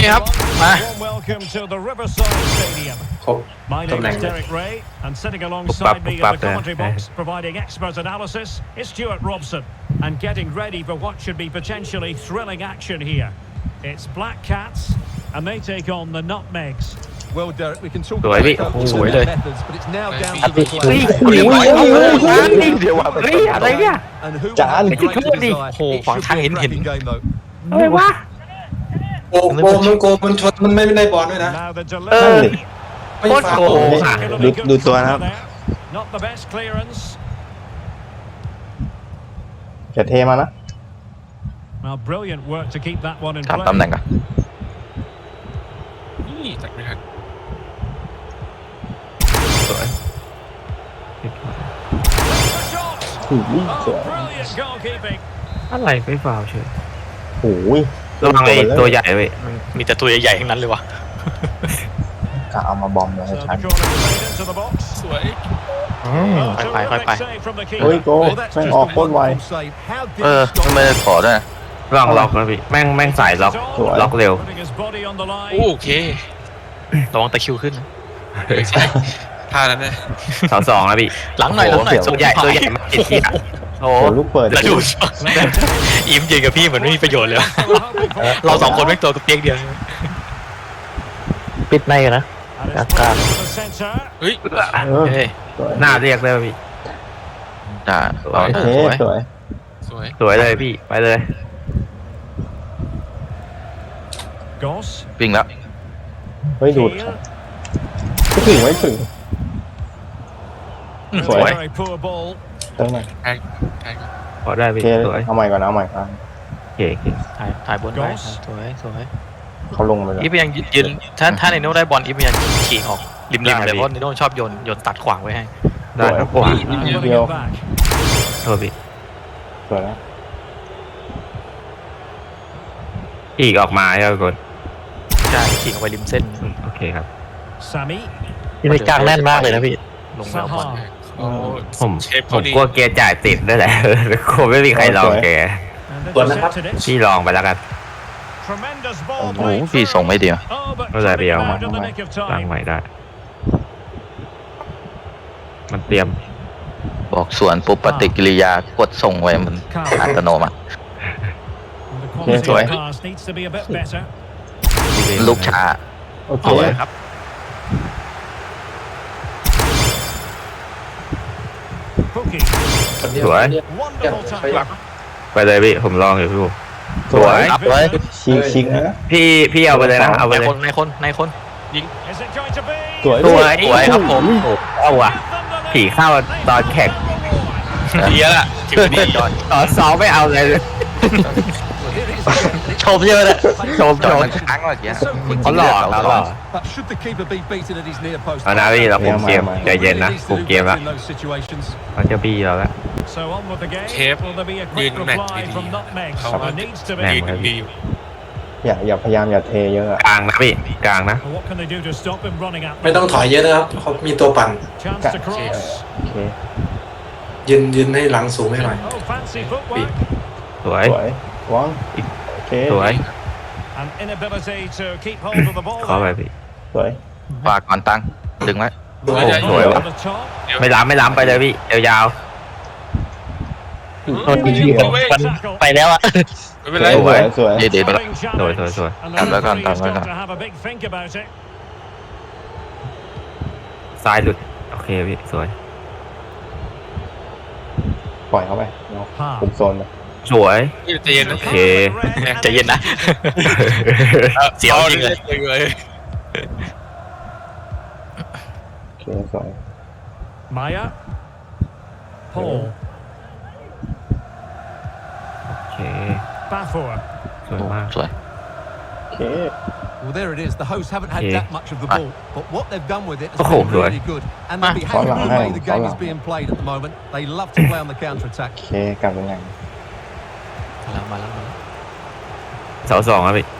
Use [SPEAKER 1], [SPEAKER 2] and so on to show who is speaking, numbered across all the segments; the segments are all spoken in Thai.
[SPEAKER 1] ครับมา
[SPEAKER 2] ครบ
[SPEAKER 3] My
[SPEAKER 2] ตำ
[SPEAKER 3] name
[SPEAKER 2] แหน่ง
[SPEAKER 3] is
[SPEAKER 2] เลย
[SPEAKER 3] Derek Ray, and sitting alongside me in the commentary box, providing expert analysis, is Stuart Robson, and getting ready for what should be potentially thrilling action here. It's Black Cats, and they take on the Nutmegs.
[SPEAKER 4] Well, Derek, we can talk
[SPEAKER 1] สวย
[SPEAKER 4] about
[SPEAKER 1] พี่
[SPEAKER 4] coaches
[SPEAKER 1] สวย
[SPEAKER 4] and
[SPEAKER 1] เลย
[SPEAKER 4] their methods, but it's now down
[SPEAKER 1] อั
[SPEAKER 4] to
[SPEAKER 1] ด
[SPEAKER 4] the
[SPEAKER 1] เฮ้ย
[SPEAKER 4] players
[SPEAKER 1] เฮ้ยเดี๋ยวว่า
[SPEAKER 5] เฮ้ยอะไรเนี่ย
[SPEAKER 4] and who
[SPEAKER 5] Chả
[SPEAKER 4] will have
[SPEAKER 5] ăn
[SPEAKER 4] the
[SPEAKER 5] cái
[SPEAKER 4] great
[SPEAKER 5] cướp đi.
[SPEAKER 4] desire.
[SPEAKER 1] Ồ,
[SPEAKER 4] It
[SPEAKER 1] khoảng
[SPEAKER 4] should
[SPEAKER 1] thang
[SPEAKER 4] be a
[SPEAKER 1] hình
[SPEAKER 4] cracking
[SPEAKER 1] hình.
[SPEAKER 4] game, though.
[SPEAKER 5] อะไรวะ
[SPEAKER 2] โกมันโกมันชนมันไม่ได้บอลด้วยนะ
[SPEAKER 3] Now the
[SPEAKER 5] เออ
[SPEAKER 3] delivery.
[SPEAKER 2] ไม่
[SPEAKER 5] โคตร
[SPEAKER 2] ฟา
[SPEAKER 5] โก
[SPEAKER 2] ว
[SPEAKER 5] ง
[SPEAKER 2] ล์
[SPEAKER 5] อ่ะ
[SPEAKER 3] Particularly good
[SPEAKER 5] ดูตัวนะค
[SPEAKER 3] cover
[SPEAKER 5] รับ
[SPEAKER 3] there. Not the best clearance.
[SPEAKER 5] อย่าเทมานะ
[SPEAKER 3] Well, brilliant work to keep that one in
[SPEAKER 1] ถาม
[SPEAKER 3] play.
[SPEAKER 1] ตำแหน่งก่อน
[SPEAKER 6] นี่ตัดไม่ทัน
[SPEAKER 1] สวย
[SPEAKER 3] The shot.
[SPEAKER 5] โอ้โหส
[SPEAKER 3] Oh,
[SPEAKER 5] วย
[SPEAKER 3] brilliant goalkeeping.
[SPEAKER 7] อะไรไม่ฟาวเฉย
[SPEAKER 5] โอ้ย
[SPEAKER 7] ระวังไอ้ตัวใหญ่เว้ย
[SPEAKER 1] มีแต่ตัวใหญ่ๆทั้งนั้นเลยวะ
[SPEAKER 5] กะเอามาบอมเลย
[SPEAKER 3] So
[SPEAKER 5] ชั
[SPEAKER 3] the
[SPEAKER 5] น
[SPEAKER 3] corner played into the box.
[SPEAKER 6] สวย
[SPEAKER 3] Well,
[SPEAKER 1] Bye, bye,
[SPEAKER 3] terrific
[SPEAKER 1] bye.
[SPEAKER 3] save from the
[SPEAKER 5] เฮ้ย
[SPEAKER 3] keeper.
[SPEAKER 5] โก
[SPEAKER 4] Well, that's
[SPEAKER 5] แม่ง
[SPEAKER 4] just
[SPEAKER 5] อ
[SPEAKER 4] a
[SPEAKER 5] อกโคตรไว
[SPEAKER 4] wonderful save. How did
[SPEAKER 1] เออ
[SPEAKER 4] he stop
[SPEAKER 1] ไม่ได้ขอด้วยนะ
[SPEAKER 7] ระวังล็อกนะพี่แม่งสายล็อก
[SPEAKER 5] สวย
[SPEAKER 7] ล็อกเร็ว
[SPEAKER 3] Putting his body on the line.
[SPEAKER 6] โอเค
[SPEAKER 1] ระวังตะคริวขึ้นนะ
[SPEAKER 6] ใช่ท่านั้นนะ
[SPEAKER 7] 2-2นะพี่
[SPEAKER 1] หลังหน่อยหลังหน่อย
[SPEAKER 7] ตัวใหญ่มาติดที่อ่ะโอ้
[SPEAKER 5] โอ้ลูกเปิด
[SPEAKER 1] แล้วดูอิมยืนกับพี่เหมือนไม่มีประโยชน์เลย เราสองคนไม่ตัวกับเปียกเดียว
[SPEAKER 7] ปิดในกันนะ
[SPEAKER 3] And it's
[SPEAKER 7] That's
[SPEAKER 3] played
[SPEAKER 7] good.
[SPEAKER 3] into the centre.
[SPEAKER 6] เฮ้ย
[SPEAKER 5] เออ
[SPEAKER 1] เฮ้ย
[SPEAKER 5] สวย
[SPEAKER 7] หน้าเรียกได้ป่ะพี่
[SPEAKER 1] จ้า
[SPEAKER 5] โอเค
[SPEAKER 1] สวย
[SPEAKER 5] สวย
[SPEAKER 6] สวย
[SPEAKER 7] สวยเลยพี่ไปเลย
[SPEAKER 3] Goss.
[SPEAKER 1] วิ่งแล้ว
[SPEAKER 5] เฮ้ยดูด
[SPEAKER 3] Keane.
[SPEAKER 5] ไม่ถึงไม่ถึง สวย
[SPEAKER 3] Very poor ball.
[SPEAKER 5] เติมหน่อย
[SPEAKER 6] แทงแทง
[SPEAKER 7] พอได้
[SPEAKER 5] โอ
[SPEAKER 7] พี่
[SPEAKER 5] เค
[SPEAKER 7] สวย
[SPEAKER 5] เอาใหม่ก่อนนะเอาใหม่ก่อน
[SPEAKER 7] โอเคโอเค
[SPEAKER 1] ถ่ายบนไป
[SPEAKER 3] Goss
[SPEAKER 1] สวยสวย
[SPEAKER 5] เขาลงไปแล้ว
[SPEAKER 1] อีฟยังยืนถ้าในโน้ได้บอลอีฟยังขี่ออกริมๆเลยเพราะในโน้ชอบโยนตัดขวางไว้ให้
[SPEAKER 7] ได้ครับขวา
[SPEAKER 3] And winning it back.
[SPEAKER 7] โทษพี่
[SPEAKER 5] สวยแล้ว
[SPEAKER 7] อีกออกมาใช่ไหมกด
[SPEAKER 1] ใช่ขี่ออกไปริมเส้น
[SPEAKER 7] โอเคครับ
[SPEAKER 3] Sami.
[SPEAKER 1] ที่ในกลางแน่นมากเลยนะพี่ลงแล้วบอล
[SPEAKER 3] Saha.
[SPEAKER 6] โอ้
[SPEAKER 7] ผม
[SPEAKER 6] เชฟ
[SPEAKER 7] ผ
[SPEAKER 6] เขา
[SPEAKER 7] ม
[SPEAKER 6] ดี
[SPEAKER 7] กลัวเกียร์จ่ายติดด้วยแหละ คงไม่มีใครลองแก
[SPEAKER 3] And
[SPEAKER 2] Tuấn đã hấp.
[SPEAKER 3] intercepted it.
[SPEAKER 7] พี่ลองไปแล้วกัน
[SPEAKER 3] Tremendous
[SPEAKER 1] โอ้
[SPEAKER 3] ball
[SPEAKER 1] โห
[SPEAKER 3] played
[SPEAKER 1] พี่
[SPEAKER 3] through.
[SPEAKER 1] ส่งไม่ดี
[SPEAKER 3] Oh, but
[SPEAKER 7] ไม่เป็นไรพี่
[SPEAKER 3] coming
[SPEAKER 7] เอา
[SPEAKER 3] round in the nick of
[SPEAKER 7] ตั้ง
[SPEAKER 3] time.
[SPEAKER 7] ใหม่ได้ มันเตรียม
[SPEAKER 1] บอกสวนปุ๊บปฏิกิริยากดส่งไว้มันอัตโนมัติ
[SPEAKER 3] And the quality
[SPEAKER 1] Sorry.
[SPEAKER 3] of pass needs to be a bit better.
[SPEAKER 1] ลูกช้า
[SPEAKER 5] โอเค
[SPEAKER 1] เอาเลยครับ
[SPEAKER 3] Pookie.
[SPEAKER 7] สวย
[SPEAKER 3] Wonderful tackle.
[SPEAKER 7] ไปเลยพี่ผมลองอยู่พี่ผม
[SPEAKER 5] สวย
[SPEAKER 1] อัพเลย
[SPEAKER 5] ชิงนะ
[SPEAKER 7] พี่เอาไปเลยนะเอาไป
[SPEAKER 1] ใน
[SPEAKER 7] เลย
[SPEAKER 1] คนในคนในคน
[SPEAKER 3] Is it going to be?
[SPEAKER 5] สวย
[SPEAKER 7] สวย
[SPEAKER 1] สวยครับผม
[SPEAKER 7] เอาว่ะผีเข้าตอนแข่ง
[SPEAKER 6] เดียละถือดี
[SPEAKER 1] จอด
[SPEAKER 7] ตอนซ้อมไม่เอาเลย
[SPEAKER 1] ชมเยอะเลย
[SPEAKER 7] ชม
[SPEAKER 1] จ
[SPEAKER 7] ช
[SPEAKER 1] อด
[SPEAKER 7] ม
[SPEAKER 1] มันค้างเมื่อกี้
[SPEAKER 4] So quick
[SPEAKER 7] เขา
[SPEAKER 4] to
[SPEAKER 7] หลอก
[SPEAKER 4] get
[SPEAKER 7] เรา
[SPEAKER 4] out.
[SPEAKER 7] หลอก
[SPEAKER 4] But should the keeper be beaten at his near post?
[SPEAKER 7] เอานะพี่เราคุมเกมใจเย็นนะ
[SPEAKER 4] Needs
[SPEAKER 7] คุม
[SPEAKER 4] to do
[SPEAKER 7] เกม
[SPEAKER 4] better
[SPEAKER 7] ละ
[SPEAKER 4] in those situations.
[SPEAKER 7] เขาจะบี้เราแล้ว
[SPEAKER 3] So on with the game.
[SPEAKER 6] Chef,
[SPEAKER 3] Will there be a
[SPEAKER 6] ยื
[SPEAKER 3] quick
[SPEAKER 6] นแมตช์
[SPEAKER 3] reply
[SPEAKER 6] ดี
[SPEAKER 3] from
[SPEAKER 6] ๆ
[SPEAKER 3] Nutmeg?
[SPEAKER 6] เขา
[SPEAKER 3] There needs to
[SPEAKER 7] แม่
[SPEAKER 3] be.
[SPEAKER 6] ยืนดีอยู่
[SPEAKER 5] อย่าพยายามอย่าเทเยอะอะ
[SPEAKER 7] กลางนะพี่กลางนะ
[SPEAKER 3] What can they do to stop him running at
[SPEAKER 2] ไม่
[SPEAKER 3] them?
[SPEAKER 2] ต้องถอยเยอะนะครับเขามีตัวปั่น
[SPEAKER 3] Chance to cross.
[SPEAKER 5] โอเค
[SPEAKER 2] ยืนให้หลังสูงให้หน่อย
[SPEAKER 3] Oh, fancy footwork.
[SPEAKER 7] สวย
[SPEAKER 5] สวยวังโอเค
[SPEAKER 7] สวย
[SPEAKER 3] An inability to keep hold of the ball.
[SPEAKER 7] เข้าไปพี่
[SPEAKER 5] สวย
[SPEAKER 1] ฝากก่อนตังดึงไว้
[SPEAKER 5] โอ้โห
[SPEAKER 7] สวยวะ
[SPEAKER 3] Over the top.
[SPEAKER 7] ไม่ล้ำไปเลยพี่ยาว
[SPEAKER 6] โทษทีพี่
[SPEAKER 3] มัน
[SPEAKER 1] ไปแล้วอะ
[SPEAKER 6] ไม่เป็นไร
[SPEAKER 5] สวยสวย
[SPEAKER 1] เดี๋ยว
[SPEAKER 3] Thrilling challenge.
[SPEAKER 7] Rồi, rồi.
[SPEAKER 3] And
[SPEAKER 1] Tạm
[SPEAKER 3] the
[SPEAKER 1] đó con,
[SPEAKER 3] referee's
[SPEAKER 1] tạm đó
[SPEAKER 3] got
[SPEAKER 1] con.
[SPEAKER 3] to have a big think about it.
[SPEAKER 7] ๆซ้ายหลุดโอเคพี่สวย
[SPEAKER 5] ปล่อยเขาไปเนาะคุมโซนไป
[SPEAKER 7] สวย
[SPEAKER 6] ใจเย็นนะ
[SPEAKER 7] โอเค
[SPEAKER 1] ใจเย็นนะเสียวจริงเลย
[SPEAKER 6] เลย
[SPEAKER 5] โอเคสวย
[SPEAKER 3] Maya. Paul.
[SPEAKER 7] โอเค
[SPEAKER 3] Bafor.
[SPEAKER 7] สวยมาก
[SPEAKER 1] สวย
[SPEAKER 5] โอเค
[SPEAKER 4] Well, there it is. The hosts haven't had
[SPEAKER 7] Yeah.
[SPEAKER 4] that much of the ball, but what they've done with it has
[SPEAKER 7] Oh,
[SPEAKER 4] been
[SPEAKER 7] rồi.
[SPEAKER 4] really good. And they'll be happy with the way the game is being played at the moment. They love to play on the counter attack.
[SPEAKER 5] โอเคกลับยังไง
[SPEAKER 1] มาแล้ว
[SPEAKER 7] 2-2ครับพี่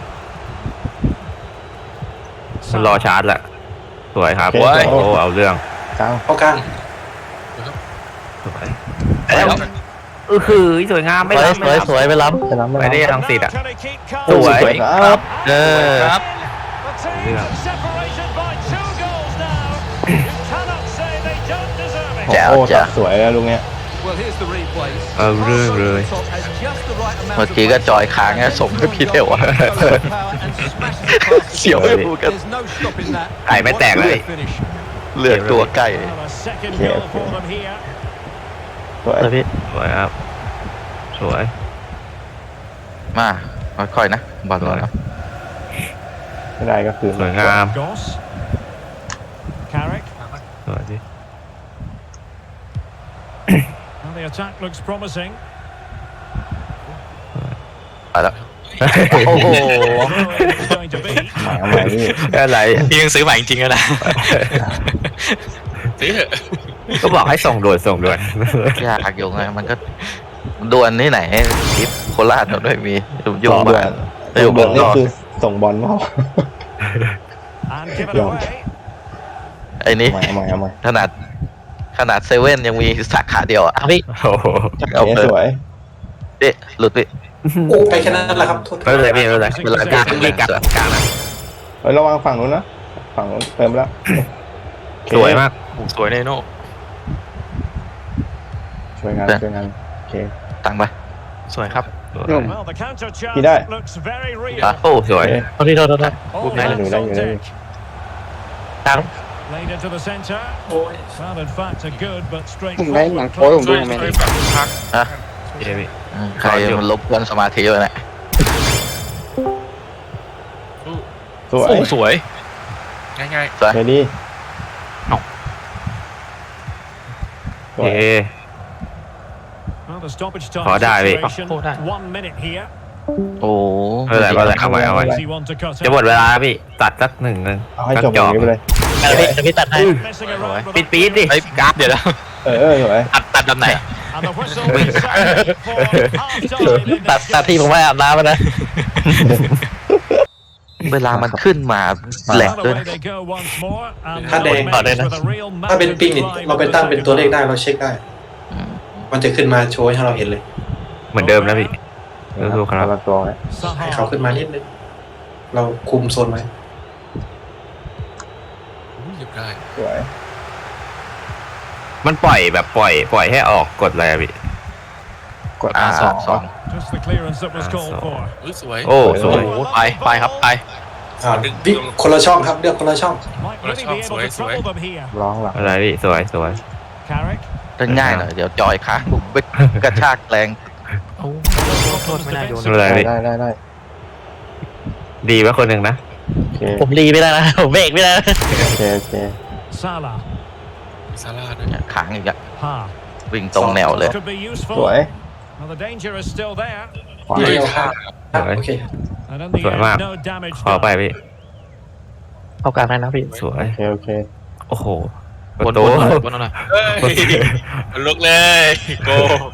[SPEAKER 7] มันรอชาร์จแหละสวยครับ
[SPEAKER 5] โอเค
[SPEAKER 7] โอ้เอาเรื่อง
[SPEAKER 5] กลาง
[SPEAKER 2] เข้ากลาง
[SPEAKER 7] สวยคือสวยงามไม่ล้ำ
[SPEAKER 1] สวยไปล้
[SPEAKER 5] ชนะไม่
[SPEAKER 7] ไปได้
[SPEAKER 5] ได้
[SPEAKER 7] ทางสิทธิ์อ่ะ
[SPEAKER 3] Can he keep
[SPEAKER 7] ส
[SPEAKER 3] calm?
[SPEAKER 7] วย
[SPEAKER 5] สวยครับ
[SPEAKER 1] เออ
[SPEAKER 6] ครับ
[SPEAKER 7] เรื่อง
[SPEAKER 3] Separated by 2 goals now. You cannot say they don't deserve it.
[SPEAKER 5] โอ้โหตัดสวยแล้วลุงเนี้ย
[SPEAKER 4] Well, here's the replay.
[SPEAKER 7] เอาเรื่องเลย
[SPEAKER 1] เมื่อกี้ก็จอยค้างเนี่ยส่งให้พี่เทวอะ เสียวไม่พูดกัน
[SPEAKER 4] There's no stopping that.
[SPEAKER 7] ไข่ไม่แตกเลย
[SPEAKER 4] Finish.
[SPEAKER 1] เลือดตัวใกล้
[SPEAKER 3] Well, a second goal for them here.
[SPEAKER 5] สวย
[SPEAKER 1] พี่
[SPEAKER 7] สวยครับ สวย
[SPEAKER 1] มาค่อยๆนะบอลแล้ว
[SPEAKER 5] ไม่ได้ก็คือ
[SPEAKER 7] สวยงาม
[SPEAKER 3] Goss. Carrick.
[SPEAKER 7] สวยดิ
[SPEAKER 3] Well, the attack looks promising.
[SPEAKER 1] ไปแล้วโอ้โห
[SPEAKER 3] It's going to be.
[SPEAKER 5] หมายเอาใหม่นี่
[SPEAKER 7] อะไร
[SPEAKER 1] พี่ยังซื้อใหม่จริงๆแล้วนะ
[SPEAKER 6] ซื้อเถอะ
[SPEAKER 7] ก็บอกให้ส่งด่วนส่งด่วน
[SPEAKER 1] ยากอยู่ไงมันก็ดวลที่ไหนคลิปโคราชเราด้วยมีอยู่
[SPEAKER 5] ส่งด่ว
[SPEAKER 1] บ้าน น
[SPEAKER 5] ส่งด่วนนี่คือส่งบอลเปล่า
[SPEAKER 3] And give it
[SPEAKER 5] Yeah.
[SPEAKER 3] away.
[SPEAKER 1] ไอ้นี้
[SPEAKER 5] เอาใหม่เอาใหม่
[SPEAKER 1] ขนาดเซเว่นยังมีสาขาเดียวอ่ะพี่
[SPEAKER 7] โอ้โห
[SPEAKER 1] เอา
[SPEAKER 5] โอเค
[SPEAKER 1] เปิด
[SPEAKER 5] สวย
[SPEAKER 1] ดิหลุดพี่
[SPEAKER 2] โอ้ไปแค่นั้นแหละครับโทษ
[SPEAKER 7] ไม่เป็นไรพี่ไม่เป็นไรเวลากลางพี่กลางกลางนะ
[SPEAKER 5] เฮ้ยระวังฝั่งนู้นนะฝั่งนู้นเติมแล้วโอเค
[SPEAKER 7] สวยมาก
[SPEAKER 1] สวยในโน่
[SPEAKER 5] ช่วยงานช่วยงานโอเค
[SPEAKER 1] ตังไปสวยครับ
[SPEAKER 3] Well, the counter chance
[SPEAKER 5] Kidai.
[SPEAKER 3] looks very real.
[SPEAKER 7] โอ้สวย
[SPEAKER 5] โอเค
[SPEAKER 1] โทษ
[SPEAKER 3] All
[SPEAKER 5] Good night.
[SPEAKER 3] hands
[SPEAKER 5] Good
[SPEAKER 3] on
[SPEAKER 5] night.
[SPEAKER 3] deck.
[SPEAKER 1] ตัง
[SPEAKER 3] Played into the centre.
[SPEAKER 2] โอ้ย
[SPEAKER 3] Well, in fact, a good but
[SPEAKER 8] ผมได้หนัง
[SPEAKER 3] straightforward
[SPEAKER 8] โป๊ผม
[SPEAKER 6] ช่
[SPEAKER 8] ดู
[SPEAKER 6] วย
[SPEAKER 8] ทำไม
[SPEAKER 6] ช่วยแบบพัก
[SPEAKER 1] ฮะ
[SPEAKER 7] เย้พี่
[SPEAKER 1] ใครมันลบกวนสมาธิเลยนะ
[SPEAKER 5] สวย
[SPEAKER 1] โอ้สวย
[SPEAKER 6] ง่าย
[SPEAKER 1] สวย
[SPEAKER 5] เรดี้
[SPEAKER 1] เอ้า
[SPEAKER 5] สวย
[SPEAKER 7] เย้
[SPEAKER 3] Well, the stoppage time
[SPEAKER 7] ขอได้พี่
[SPEAKER 3] situation.
[SPEAKER 1] โอ้ได้
[SPEAKER 3] 1 minute here.
[SPEAKER 1] โอ้
[SPEAKER 7] ไม่เป็นไรไม่เป็นไรเอาไว้เอาไว้
[SPEAKER 3] Easy one to cut
[SPEAKER 7] จะหม
[SPEAKER 3] out.
[SPEAKER 7] ดเวลาแล้วพี่ตัดสักหนึ่ง
[SPEAKER 5] เอาให้
[SPEAKER 7] สัก
[SPEAKER 5] จบ
[SPEAKER 7] จ
[SPEAKER 5] อ
[SPEAKER 7] อย่าง
[SPEAKER 5] นี้ไปเลย
[SPEAKER 1] พี่ตัดให้
[SPEAKER 3] Messing around with
[SPEAKER 7] ปิด
[SPEAKER 3] that
[SPEAKER 7] ปีดดิ
[SPEAKER 1] ไอ้กราฟเดี๋ยวนะ
[SPEAKER 5] สวย
[SPEAKER 1] ตัดแบบไหน
[SPEAKER 3] And the whistle is sounded for half-time in
[SPEAKER 1] ตัด
[SPEAKER 3] this
[SPEAKER 1] ตัด
[SPEAKER 3] game.
[SPEAKER 1] ที่ผมไม่อาบน้ำนะ เวลามันขึ้นมาแหลก
[SPEAKER 3] Well,
[SPEAKER 1] ด้วย
[SPEAKER 3] away
[SPEAKER 1] นะ
[SPEAKER 3] they go once more, and
[SPEAKER 2] ถ้าแดง
[SPEAKER 3] Mendes with a real
[SPEAKER 2] ถ้าเป็น
[SPEAKER 3] magic
[SPEAKER 2] ปิงนี่
[SPEAKER 3] drive
[SPEAKER 2] เราไป
[SPEAKER 3] with
[SPEAKER 2] ตั้ง
[SPEAKER 3] the
[SPEAKER 2] เป็นตัวเลข
[SPEAKER 3] second
[SPEAKER 2] ได้เราเช็คได้ มันจะขึ้นมาโชว์ให้เราเห็นเลย
[SPEAKER 7] เหมือนเดิมนะพี่
[SPEAKER 5] ๆ
[SPEAKER 7] ดูครับ
[SPEAKER 5] ละตัวไว้
[SPEAKER 2] ให้เขาขึ้นมานิดนึงเราคุมโซนไว้
[SPEAKER 6] ๆหยิบได้
[SPEAKER 5] สวย
[SPEAKER 7] มันปล่อยแบบปล่อยให้ออกกดอะไรอะพี่
[SPEAKER 5] กด
[SPEAKER 1] สอง
[SPEAKER 3] Just the clearance that was called for.
[SPEAKER 6] สวย
[SPEAKER 7] โอ้สวย
[SPEAKER 1] โอ้ไปครับไป
[SPEAKER 2] วิคนละช่องครับเลือกคนละช่อง
[SPEAKER 3] Might really be able to trouble them here.
[SPEAKER 5] ร้องหลัง
[SPEAKER 7] อะไรพี่สวยสวย
[SPEAKER 3] Carrick.
[SPEAKER 1] จะง่ายหน่อยเดี๋ยวจอยค้างปุ๊บไปกระชากแรงโอ้โทษไม่น่าโยน
[SPEAKER 7] อะไรพี่
[SPEAKER 5] ได้
[SPEAKER 7] ดีไว้คนหนึ่งนะ
[SPEAKER 5] โอเค
[SPEAKER 1] ผมรีไม่ได้นะผมเบรกไม่ได้
[SPEAKER 5] โอเค
[SPEAKER 3] Salah.
[SPEAKER 6] ซาร่าด้วย
[SPEAKER 1] ค้างอีกอะ
[SPEAKER 3] Ha.
[SPEAKER 1] วิ่งตรงแนวเลย
[SPEAKER 3] Could be
[SPEAKER 5] สวย
[SPEAKER 3] useful. Well, the danger is still there.
[SPEAKER 5] ขวา
[SPEAKER 2] เดียวครับโอเค
[SPEAKER 3] And in the
[SPEAKER 7] Sorry, Mark.
[SPEAKER 3] end, no damage
[SPEAKER 7] ขอไป
[SPEAKER 3] done.
[SPEAKER 7] พี่
[SPEAKER 1] เข้ากลางได้นะพี่
[SPEAKER 7] สวย
[SPEAKER 5] โอเค
[SPEAKER 7] โอ้โหป
[SPEAKER 1] บ
[SPEAKER 7] ระ
[SPEAKER 1] น
[SPEAKER 7] ตู
[SPEAKER 1] หน่อยบนหน่อย
[SPEAKER 6] เฮ้ยลุกเลยโก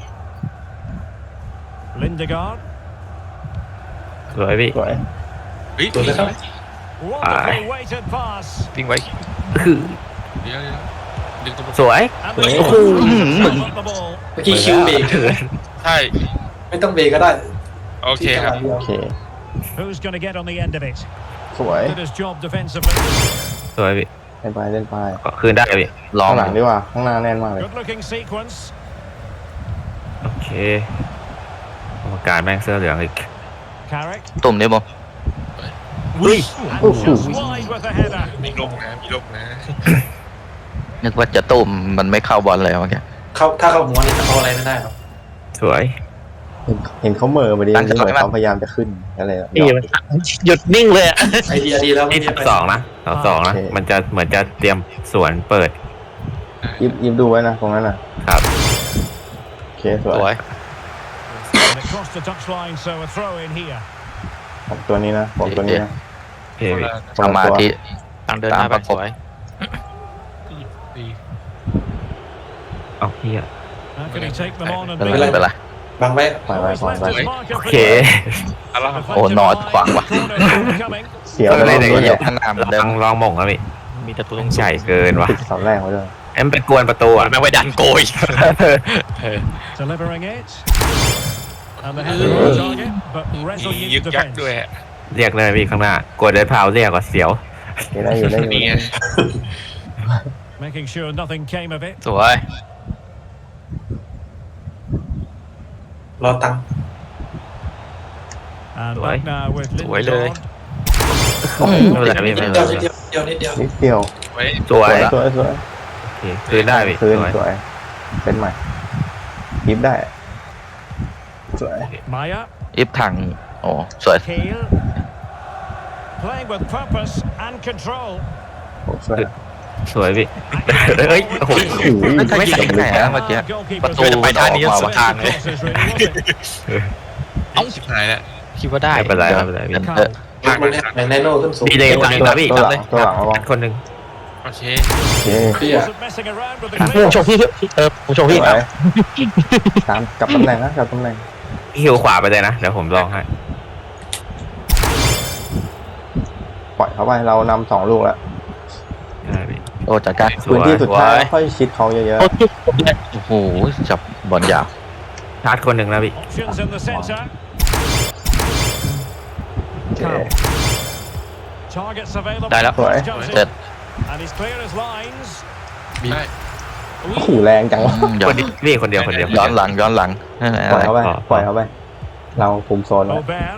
[SPEAKER 3] Lindegaard.
[SPEAKER 7] สวยพี่
[SPEAKER 5] สวย
[SPEAKER 6] วิ่ง
[SPEAKER 2] ตัวเลยครับ
[SPEAKER 3] Wonderfully weighted pass.
[SPEAKER 1] วิ่งไว้
[SPEAKER 7] คือ
[SPEAKER 6] เดี๋ยวดึงตัว
[SPEAKER 7] สวย
[SPEAKER 3] And
[SPEAKER 5] Sorry.
[SPEAKER 3] the
[SPEAKER 5] Oh,
[SPEAKER 3] sum of the ball.
[SPEAKER 2] เมื่อกี้คิวเบรก
[SPEAKER 6] ใช่
[SPEAKER 2] ไม่ต้องเบรกก็ได้
[SPEAKER 6] โอเคครับ
[SPEAKER 5] โอเค
[SPEAKER 3] Who's going to get on the end of it?
[SPEAKER 5] สวย
[SPEAKER 3] Did his job defensively.
[SPEAKER 7] สวยพี่
[SPEAKER 5] เล่นไป
[SPEAKER 7] ก็คืนได้พี่
[SPEAKER 1] ลอง
[SPEAKER 5] ข้างหลังดีกว่าข้างหน้าแน่นมากเลย
[SPEAKER 3] Good looking sequence.
[SPEAKER 7] โอเคกรรมการแม่งเสื้อเหลืองอีก
[SPEAKER 3] Carrick.
[SPEAKER 1] ตุ่มนี้มั้ง
[SPEAKER 3] And just wide with the header.
[SPEAKER 6] มีลงนะมีลงนะ
[SPEAKER 1] นึกว่าจะตุ่มมันไม่เข้าบอลเลยเมื่อกี้
[SPEAKER 2] ถ้าเขาหัวนี่เขาอะไรไม่ได้หรอก
[SPEAKER 7] สวย
[SPEAKER 5] เห็นเขาเหม่อมาดี
[SPEAKER 1] ตั้งใจ
[SPEAKER 5] เหมือน
[SPEAKER 1] ไว้
[SPEAKER 5] เขาพยายามจะขึ้นอะไรแบบ
[SPEAKER 1] พี่มันหยุดนิ่งเลยอะ
[SPEAKER 2] ไอเดียดีแล้ว
[SPEAKER 7] นี่
[SPEAKER 2] ไม่
[SPEAKER 7] สองนะสองนะ มันจะเหมือนจะเตรียมสวนเปิด
[SPEAKER 5] ยิบดูไว้นะตรงนั้นน่ะ
[SPEAKER 7] ครับ
[SPEAKER 5] โอเคสว
[SPEAKER 1] สวย ย
[SPEAKER 3] And it crossed the touchline, so a throw in here.
[SPEAKER 5] ผมตัวนี้นะผมตัวนี้นะ
[SPEAKER 7] โอเคพี่
[SPEAKER 1] สมาธิทางเดินหน้าไปสวย
[SPEAKER 6] ดี
[SPEAKER 7] เอาเฮีย
[SPEAKER 3] How can he take them on and
[SPEAKER 1] เป็น
[SPEAKER 3] beat
[SPEAKER 1] ไร
[SPEAKER 3] them?
[SPEAKER 1] เป็นไร
[SPEAKER 2] บังไว้
[SPEAKER 5] ปล่อยไว้
[SPEAKER 3] Always left his mark
[SPEAKER 7] โอ
[SPEAKER 3] of
[SPEAKER 7] เค
[SPEAKER 6] ซาร่า
[SPEAKER 3] defensive
[SPEAKER 1] โอ้นอนขวางว่ะ
[SPEAKER 3] corner coming.
[SPEAKER 5] เสียว
[SPEAKER 7] เออ
[SPEAKER 5] ไป
[SPEAKER 7] ได้
[SPEAKER 5] รอบ
[SPEAKER 7] ไหน
[SPEAKER 5] นี้
[SPEAKER 1] เหยี
[SPEAKER 5] เนี่ย ย
[SPEAKER 1] บข้างหน้าเหมือนเดิ
[SPEAKER 7] ล
[SPEAKER 1] ม
[SPEAKER 7] องมงครับพี่
[SPEAKER 1] มีแต่ตัวตรง
[SPEAKER 7] ใหญ่เกินว่ะ
[SPEAKER 5] ติดเสาแรกไว้ด้วย
[SPEAKER 7] เอ็มไปกวนประตูอ่ะ
[SPEAKER 1] แม่งไว้ดันโกย
[SPEAKER 3] Delivering it. And the header on target, but
[SPEAKER 6] มี
[SPEAKER 3] resolute
[SPEAKER 6] ยึกยัก
[SPEAKER 3] defence.
[SPEAKER 6] ด้วย
[SPEAKER 7] เรียกเลยพี่ข้างหน้ากดเดินเท้าเรียกว่าเสียว
[SPEAKER 5] ได้อยู่ได้อยู่
[SPEAKER 6] นี่ไง
[SPEAKER 3] Making sure nothing came of it.
[SPEAKER 1] สวย
[SPEAKER 2] รอตังค์
[SPEAKER 3] And
[SPEAKER 7] Right.
[SPEAKER 3] back now with
[SPEAKER 1] Right,
[SPEAKER 3] Lindelof.
[SPEAKER 7] ไม่เป็นไรพี่
[SPEAKER 2] นิ
[SPEAKER 7] ไม่
[SPEAKER 2] ด
[SPEAKER 7] เป็น
[SPEAKER 2] เดียว
[SPEAKER 7] ไร
[SPEAKER 2] นิดเดียวนิดเดียว
[SPEAKER 5] นิดเดียว
[SPEAKER 6] ไว้
[SPEAKER 7] สวย
[SPEAKER 5] สวยสวย
[SPEAKER 7] โอเคคืนได้พี่
[SPEAKER 5] คืน
[SPEAKER 7] สวย
[SPEAKER 5] สวยเป็นใหม่ยิบได้สวย
[SPEAKER 3] Maya,
[SPEAKER 1] อิฟถังโอ้สวย
[SPEAKER 3] Kale. Playing with purpose and control.
[SPEAKER 5] โอ้สวย
[SPEAKER 7] สวยพี่เฮ้ยโอ้โห
[SPEAKER 1] ไม่ใส่ไหนนะเมื่อกี้ ประตูไปท่านี้สวนทางเลย
[SPEAKER 6] เอ้าชิบหายแล้ว
[SPEAKER 1] คิดว่าได้
[SPEAKER 7] ไม่เป็นไรไม่เป็นไรพี่
[SPEAKER 1] เออ
[SPEAKER 2] มันเนี่ยในโน่ขึ้นสูง
[SPEAKER 7] ดีเลยคนหนึงครับพี่
[SPEAKER 5] ตัวหลังตัวหลังระวัง
[SPEAKER 7] คนหนึง
[SPEAKER 6] โอเค
[SPEAKER 5] โอเค
[SPEAKER 2] พี่อะ
[SPEAKER 3] Wasn't messing around with the
[SPEAKER 1] ผม
[SPEAKER 3] clearance.
[SPEAKER 1] ชมพี่ผมชม
[SPEAKER 5] ส
[SPEAKER 1] พี่
[SPEAKER 5] วยตามกลับตำแหน่งนะกลับตำแหน่ง
[SPEAKER 7] พี่หิวขวาไปเลยนะเดี๋ยวผมลองให้
[SPEAKER 5] ปล่อยเขาไปเรานำ2 ลูกแล้ว
[SPEAKER 7] ได้พี่
[SPEAKER 1] โอ้จัดการ
[SPEAKER 7] สวย
[SPEAKER 5] พื้นที่สุดท้ายค่อยชิดเขาเยอะ
[SPEAKER 1] โอ้โหจับบอลยาว
[SPEAKER 7] ชาร์จคนหนึ่งนะพี่
[SPEAKER 3] Options in the centre.
[SPEAKER 5] ๆโอเค
[SPEAKER 3] Targets available.
[SPEAKER 1] ได้แล้ว
[SPEAKER 5] สวย
[SPEAKER 1] เสร็จ
[SPEAKER 3] And he's clear as lines.
[SPEAKER 6] ได้
[SPEAKER 5] โอ้โหแรงจังวะ
[SPEAKER 7] คนเดียวพี่คนเดียวคนเดียว
[SPEAKER 1] ย้อนหลังนั่นแหละ
[SPEAKER 5] ปล่อยเขาไป
[SPEAKER 7] อ๋อ
[SPEAKER 5] ปล่อยเขาไปเราคุมโซนไว้
[SPEAKER 3] Aubert.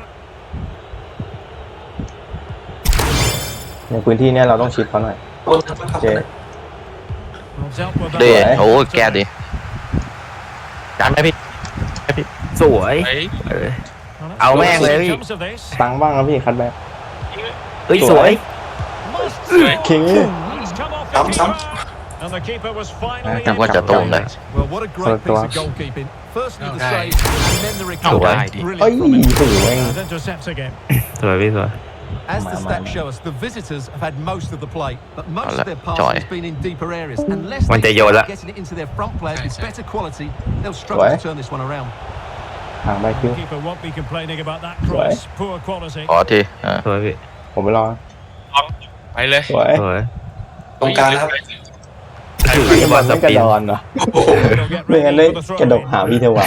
[SPEAKER 5] ในพื้นที่เนี้ยเราต้องชิดเขาหน่อย
[SPEAKER 2] โดนทับ
[SPEAKER 5] โอ
[SPEAKER 2] ทับ
[SPEAKER 5] เค
[SPEAKER 2] นะ
[SPEAKER 3] Well dealt with
[SPEAKER 1] ดี
[SPEAKER 3] that.
[SPEAKER 1] โอ้แก้ดีการไหมพี่
[SPEAKER 7] สวย
[SPEAKER 6] ไว้
[SPEAKER 7] เออ
[SPEAKER 3] Well, let's
[SPEAKER 7] เอาแม่ง
[SPEAKER 3] see
[SPEAKER 7] เลย
[SPEAKER 3] what
[SPEAKER 7] พี่
[SPEAKER 3] comes of this.
[SPEAKER 5] ตังค์บ้างนะพี่คัดแบ็ค
[SPEAKER 7] เฮ้ยสวย
[SPEAKER 3] Must
[SPEAKER 5] คิ
[SPEAKER 3] And
[SPEAKER 5] ง
[SPEAKER 3] it's come off the keeper. And the keeper was finally
[SPEAKER 1] นึกว่าจะตูมเลย
[SPEAKER 4] Well, what a great piece of goalkeeping. Firstly, the save, and then the
[SPEAKER 1] เอา
[SPEAKER 4] recovery.
[SPEAKER 1] ได้ดิ
[SPEAKER 5] เอ้ย
[SPEAKER 4] Brilliant from him.
[SPEAKER 5] โอ้โหแม่ง
[SPEAKER 3] and intercepts again.
[SPEAKER 7] สวยพี่สวย
[SPEAKER 4] As the
[SPEAKER 5] Man,
[SPEAKER 4] stats
[SPEAKER 5] man.
[SPEAKER 4] show us, the visitors have had most of the play, but most
[SPEAKER 1] I'll
[SPEAKER 4] of their
[SPEAKER 1] let
[SPEAKER 4] passing
[SPEAKER 1] Joy.
[SPEAKER 4] has been in deeper areas. Unless
[SPEAKER 7] One
[SPEAKER 4] they
[SPEAKER 7] day you'll
[SPEAKER 4] start
[SPEAKER 7] let-
[SPEAKER 4] getting it into their front players with
[SPEAKER 6] Thanks,
[SPEAKER 4] better quality, they'll struggle
[SPEAKER 5] Joy.
[SPEAKER 4] to turn this one around.
[SPEAKER 5] ห่างไปคิว
[SPEAKER 3] Keeper won't be complaining about that cross. Poor quality.
[SPEAKER 1] ขอที
[SPEAKER 7] สวยพี่
[SPEAKER 5] ผมไปรอ
[SPEAKER 6] ไปเลย
[SPEAKER 5] สวย
[SPEAKER 7] สวย
[SPEAKER 2] ตรงกลางครับ
[SPEAKER 5] ที่บอลไม่กระดอนเหรอ
[SPEAKER 3] They'll get
[SPEAKER 5] ไม่งั้น
[SPEAKER 3] ready
[SPEAKER 5] ได้
[SPEAKER 3] for the
[SPEAKER 5] กระดก
[SPEAKER 3] throw-in.
[SPEAKER 5] หาพี่เทวาย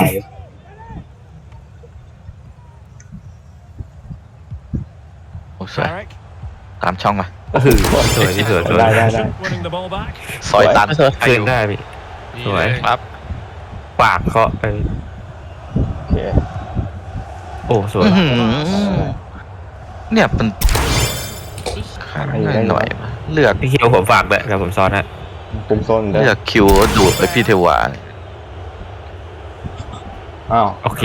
[SPEAKER 1] โอ้สวย
[SPEAKER 3] Carrick.
[SPEAKER 1] ตามช่องมา
[SPEAKER 7] สวยพี่สวยสวย
[SPEAKER 5] ได้ได้
[SPEAKER 3] Winning the ball back.
[SPEAKER 1] ซอยตัน
[SPEAKER 7] คืนได้พี่
[SPEAKER 6] นี่
[SPEAKER 7] สวย
[SPEAKER 6] เลย
[SPEAKER 1] ครับ
[SPEAKER 7] ปากเคาะไป
[SPEAKER 5] โอเค
[SPEAKER 7] โอ้สวย
[SPEAKER 1] อื้อหือเนี่ยมันข้างหน่อยปะเลือก
[SPEAKER 7] พี่คิวผมฝากเลยครับผมซ้อนฮะ
[SPEAKER 5] คุมโซนเด้
[SPEAKER 1] เลื
[SPEAKER 5] อ
[SPEAKER 1] อกคิวดูดไปพี่เทวา
[SPEAKER 5] อ้าว
[SPEAKER 7] โอเค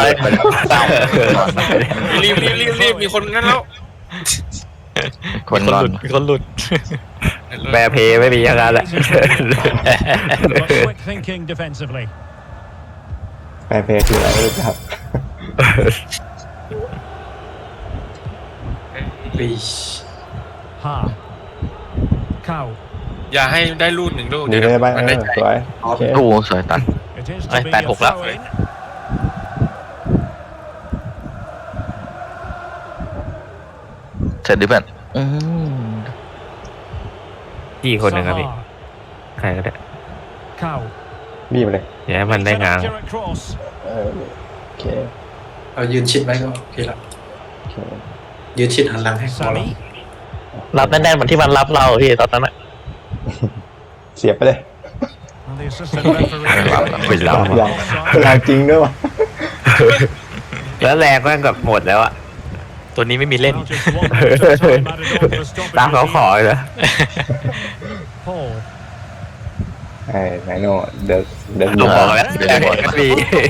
[SPEAKER 6] รีบมีคนงั้นแล้ว
[SPEAKER 1] คนหลุดคนหลุด
[SPEAKER 7] แบร์เพย์ไม่มีอย่างนั้นแหละ
[SPEAKER 3] But quick thinking defensively.
[SPEAKER 5] แปรเพย์คืออะไรไม่รู้จัก
[SPEAKER 2] ปี
[SPEAKER 3] Ha. Cow.
[SPEAKER 6] อย่าให้ได้ลูกหนึ่งลูก
[SPEAKER 5] ดีเลยไป
[SPEAKER 6] มันได้ใจ
[SPEAKER 5] สวยโอเค
[SPEAKER 1] โอ้สวยตัน
[SPEAKER 3] It is to
[SPEAKER 1] Ay,
[SPEAKER 3] be
[SPEAKER 1] bad
[SPEAKER 3] a
[SPEAKER 1] hook left.
[SPEAKER 3] throw-in.
[SPEAKER 1] เสร็จดิเพื่อน
[SPEAKER 7] พี่คนหนึ่งครับพี่
[SPEAKER 3] Saha.
[SPEAKER 7] ใครก็ได้
[SPEAKER 3] Cow.
[SPEAKER 5] บีบเลย
[SPEAKER 7] อย่าให้มันได้
[SPEAKER 3] It's an
[SPEAKER 7] งาน
[SPEAKER 3] accurate cross.
[SPEAKER 5] โอเค
[SPEAKER 2] เอายืนชิดไว้ก็โอเคละ
[SPEAKER 5] โอเค
[SPEAKER 2] ยืนชิดหันหลังให้พอแล้ว
[SPEAKER 3] Sammy.
[SPEAKER 1] รับแน่นๆเหมือนที่มันรับเราพี่ตอนนั้น
[SPEAKER 5] เสียบไปเลย
[SPEAKER 3] And the assistant referee.
[SPEAKER 7] ไม่รับ
[SPEAKER 5] อย่างแรงจริงด้วยวะ
[SPEAKER 7] แล้วแรงก็กับหมดแล้วอะ
[SPEAKER 1] ตัวนี้ไม่มีเล่น
[SPEAKER 3] Well, just one extra time added on for stoppage
[SPEAKER 7] ตามเขาขอ
[SPEAKER 3] regime.
[SPEAKER 7] เลยนะ
[SPEAKER 3] Paul.
[SPEAKER 5] ไอ้ไนโน่เดิน
[SPEAKER 1] ดูบอลแล้ว
[SPEAKER 7] แรงก็มี